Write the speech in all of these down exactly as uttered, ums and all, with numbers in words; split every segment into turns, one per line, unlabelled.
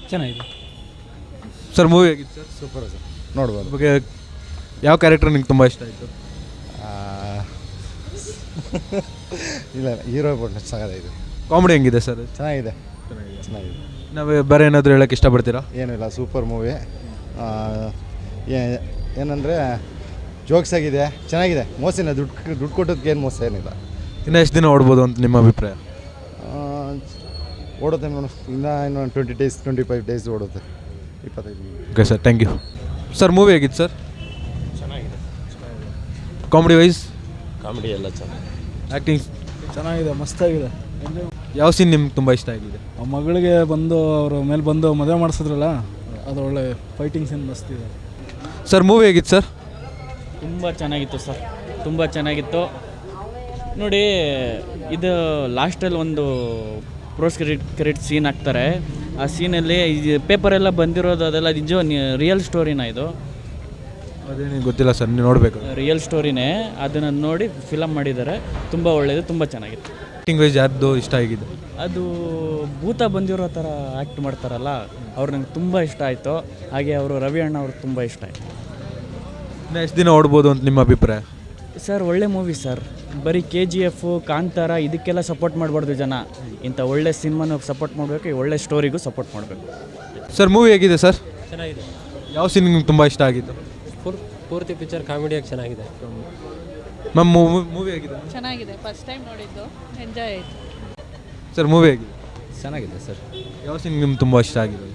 ಚೆನ್ನಾಗಿದೆ
sir movie ಹೇಗಿತ್ತು sir?
Super sir, ನೋಡ್ಬೋದು.
ಬಗ್ಗೆ ಯಾವ ಕ್ಯಾರೆಕ್ಟರ್ ನಿಂಗೆ ತುಂಬ ಇಷ್ಟ ಆಯಿತು?
ಇಲ್ಲ, ಹೀರೋ ಬಿಟ್ಟು ಚೆನ್ನಾಗಿದೆ.
ಕಾಮಿಡಿ ಹೆಂಗಿದೆ ಸರ್?
ಚೆನ್ನಾಗಿದೆ ಚೆನ್ನಾಗಿದೆ.
ನಾವು ಬೇರೆ ಏನಾದರೂ ಹೇಳೋಕ್ಕೆ ಇಷ್ಟಪಡ್ತೀರಾ?
ಏನಿಲ್ಲ, ಸೂಪರ್ ಮೂವಿ. ಏನಂದರೆ ಜೋಕ್ಸ್ ಆಗಿದೆ, ಚೆನ್ನಾಗಿದೆ. ಮೋಸನ ದುಡ್ಡು ದುಡ್ಡು ಕೊಟ್ಟೋದಕ್ಕೆ ಏನು ಮೋಸ ಏನಿಲ್ಲ.
ಇನ್ನೂ ಎಷ್ಟು ದಿನ ಓಡ್ಬೋದು ಅಂತ ನಿಮ್ಮ ಅಭಿಪ್ರಾಯ?
ಓಡುತ್ತೆ ಮೇಡಮ್, ಇನ್ನೂ ಇನ್ನು twenty days twenty five days ಓಡುತ್ತೆ, ಇಪ್ಪತ್ತೈದು.
Okay sir, thank you. Sir movie ಹೇಗಿತ್ತು ಸರ್?
ಚೆನ್ನಾಗಿದೆ.
Comedy wise?
ಕಾಮಿಡಿ ಎಲ್ಲ ಚೆನ್ನಾಗಿದೆ.
ಆ್ಯಕ್ಟಿಂಗ್
ಚೆನ್ನಾಗಿದೆ, ಮಸ್ತಾಗಿದೆ.
ಯಾವ ಸೀನ್ ನಿಮ್ಗೆ ತುಂಬ ಇಷ್ಟ ಆಗಿದೆ?
ಆ ಮಗಳಿಗೆ ಬಂದು ಅವ್ರ ಮೇಲೆ ಬಂದು ಮದುವೆ ಮಾಡಿಸಿದ್ರಲ್ಲ, ಅದು ಒಳ್ಳೆ ಫೈಟಿಂಗ್ ಸೀನ್ ಮಸ್ತ್ ಇದೆ.
ಸರ್ ಮೂವಿ ಹೇಗಿತ್ತು ಸರ್?
ತುಂಬ ಚೆನ್ನಾಗಿತ್ತು ಸರ್, ತುಂಬ ಚೆನ್ನಾಗಿತ್ತು. ನೋಡಿ, ಇದು ಲಾಸ್ಟಲ್ಲಿ ಒಂದು ಪ್ರೋಸ್ ಕ್ರೆಡಿಟ್ ಕ್ರೆಡಿಟ್ ಸೀನ್ ಹಾಕ್ತಾರೆ. ಆ ಸೀನಲ್ಲಿ ಇದು ಪೇಪರೆಲ್ಲ ಬಂದಿರೋದು ಅದೆಲ್ಲ ನಿಜ ರಿಯಲ್ ಸ್ಟೋರಿನ? ಇದು
ಅದೇನು ಗೊತ್ತಿಲ್ಲ ಸರ್, ನೀವು ನೋಡಬೇಕು.
ರಿಯಲ್ ಸ್ಟೋರಿನೇ, ಅದನ್ನು ನೋಡಿ ಫಿಲಮ್ ಮಾಡಿದ್ದಾರೆ. ತುಂಬ ಒಳ್ಳೆಯದು, ತುಂಬ ಚೆನ್ನಾಗಿತ್ತು.
ಆ್ಯಕ್ಟಿಂಗ್ ವೈಸ್ ಯಾರ್ದು ಇಷ್ಟ ಆಗಿದೆ?
ಅದು ಭೂತ ಬಂದಿರೋ ಥರ ಆ್ಯಕ್ಟ್ ಮಾಡ್ತಾರಲ್ಲ, ಅವ್ರು ನಂಗೆ ತುಂಬ ಇಷ್ಟ ಆಯಿತು. ಹಾಗೆ ಅವರು ರವಿ ಅಣ್ಣ ಅವ್ರಿಗೆ ತುಂಬ ಇಷ್ಟ ಆಯಿತು.
ಇನ್ನು ಎಷ್ಟು ದಿನ ಓಡ್ಬೋದು ಅಂತ ನಿಮ್ಮ ಅಭಿಪ್ರಾಯ?
ಸರ್ ಒಳ್ಳೆ ಮೂವಿ ಸರ್. ಬರೀ ಕೆ ಜಿ ಎಫು, ಕಾಂತಾರ ಇದಕ್ಕೆಲ್ಲ ಸಪೋರ್ಟ್ ಮಾಡಬಾರ್ದು ಜನ. ಇಂಥ ಒಳ್ಳೆ ಸಿನಿಮಾನ ಸಪೋರ್ಟ್ ಮಾಡಬೇಕು, ಒಳ್ಳೆ ಸ್ಟೋರಿಗೂ ಸಪೋರ್ಟ್ ಮಾಡಬೇಕು.
ಸರ್ ಮೂವಿ ಹೇಗಿದೆ ಸರ್?
ಚೆನ್ನಾಗಿದೆ.
ಯಾವ ಸೀನ್ ನಿಮ್ಗೆ ತುಂಬ ಇಷ್ಟ ಆಗಿತ್ತು?
ಪೂರ್ ಪೂರ್ತಿ ಪಿಕ್ಚರ್ ಕಾಮಿಡಿಯಾಗಿ ಚೆನ್ನಾಗಿದೆ.
ಮ್ಯಾಮ್ ಮೂವಿ ಹೇಗಿದೆ?
ಚೆನ್ನಾಗಿದೆ, ಫಸ್ಟ್ ಟೈಮ್ ನೋಡಿದ್ದು, ಎಂಜಾಯ್ ಆಯಿತು.
ಸರ್ ಮೂವಿ ಹೇಗಿದೆ?
ಚೆನ್ನಾಗಿದೆ ಸರ್.
ಯಾವ ಸೀನ್ ನಿಮ್ಗೆ ತುಂಬ ಇಷ್ಟ ಆಗಿದೆ?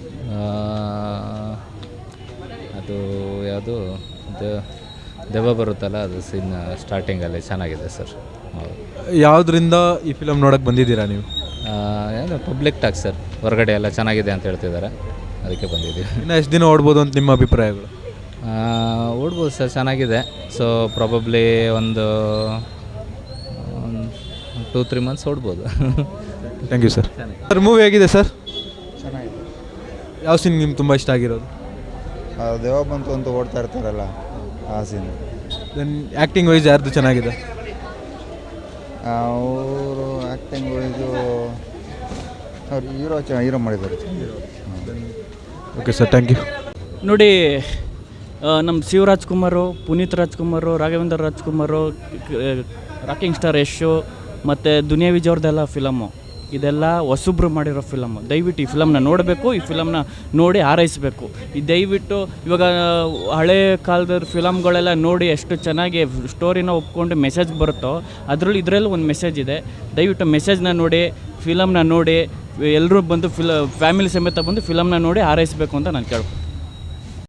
ಅದು ಯಾವುದು ದೆವ್ವ ಬರುತ್ತಲ್ಲ, ಅದು ಸೀನ್ ಸ್ಟಾರ್ಟಿಂಗಲ್ಲಿ ಚೆನ್ನಾಗಿದೆ ಸರ್. ಹೌದು.
ಯಾವುದರಿಂದ ಈ ಫಿಲಮ್ ನೋಡೋಕ್ಕೆ ಬಂದಿದ್ದೀರಾ ನೀವು?
ಏನು ಪಬ್ಲಿಕ್ ಟಾಕ್ ಸರ್, ಹೊರಗಡೆ ಎಲ್ಲ ಚೆನ್ನಾಗಿದೆ ಅಂತ ಹೇಳ್ತಿದ್ದಾರೆ, ಅದಕ್ಕೆ ಬಂದಿದ್ದೀವಿ.
ಇನ್ನು ಎಷ್ಟು ದಿನ ಓಡ್ಬೋದು ಅಂತ ನಿಮ್ಮ ಅಭಿಪ್ರಾಯಗಳು?
ಓಡ್ಬೋದು ಸರ್, ಚೆನ್ನಾಗಿದೆ. ಸೊ ಪ್ರಾಬಬ್ಲಿ ಒಂದು ಟೂ ತ್ರೀ ಮಂತ್ಸ್ ಓಡ್ಬೋದು.
Thank you sir. Sir movie ಹೇಗಿದೆ ಸರ್?
ಚೆನ್ನಾಗಿದೆ.
ಯಾವ ಸೀನ್ ನಿಮ್ಗೆ ತುಂಬ ಇಷ್ಟ ಆಗಿರೋದು?
ದೇವ ಬಂತು ಅಂತ ಓಡ್ತಾ ಇರ್ತಾರಲ್ಲ, ಆ ಸೀನ್.
ದೆನ್ ಆ್ಯಕ್ಟಿಂಗ್ ವೈಸ್ ಯಾರ್ದು ಚೆನ್ನಾಗಿದೆ?
ಅವರು ಆ್ಯಕ್ಟಿಂಗ್ ಇದು ಅವ್ರು ಹೀರೋ ಚ ಹೀರೋ ಮಾಡಿದ್ದಾರೆ.
Okay sir, thank you.
ನೋಡಿ, ನಮ್ಮ ಶಿವರಾಜ್ ಕುಮಾರು, ಪುನೀತ್ ರಾಜ್ಕುಮಾರು, ರಾಘವೇಂದ್ರ ರಾಜ್ಕುಮಾರು, ರಾಕಿಂಗ್ ಸ್ಟಾರ್ ಯಶು ಮತ್ತು ದುನಿಯಾ ವಿಜಯ್ ಅವ್ರದ್ದೆಲ್ಲ ಫಿಲಮ್ಮು. ಇದೆಲ್ಲ ಹೊಸಬ್ರು ಮಾಡಿರೋ ಫಿಲಮ್ಮು. ದಯವಿಟ್ಟು ಈ ಫಿಲಮ್ನ ನೋಡಬೇಕು, ಈ ಫಿಲಮ್ನ ನೋಡಿ ಹಾರೈಸಬೇಕು. ಈ ದಯವಿಟ್ಟು ಇವಾಗ ಹಳೆ ಕಾಲದ ಫಿಲಮ್ಗಳೆಲ್ಲ ನೋಡಿ ಎಷ್ಟು ಚೆನ್ನಾಗಿ ಸ್ಟೋರಿನ ಒಪ್ಕೊಂಡು ಮೆಸೇಜ್ ಬರುತ್ತೋ, ಅದರಲ್ಲಿ ಇದರಲ್ಲೂ ಒಂದು ಮೆಸೇಜ್ ಇದೆ. ದಯವಿಟ್ಟು ಮೆಸೇಜ್ನ ನೋಡಿ, ಫಿಲಮ್ನ ನೋಡಿ, ಎಲ್ಲರೂ ಬಂದು ಫಿಲ ಫ್ಯಾಮಿಲಿ ಸಮೇತ ಬಂದು ಫಿಲಮ್ನ ನೋಡಿ ಹಾರೈಸಬೇಕು ಅಂತ ನಾನು ಕೇಳ್ತೀನಿ.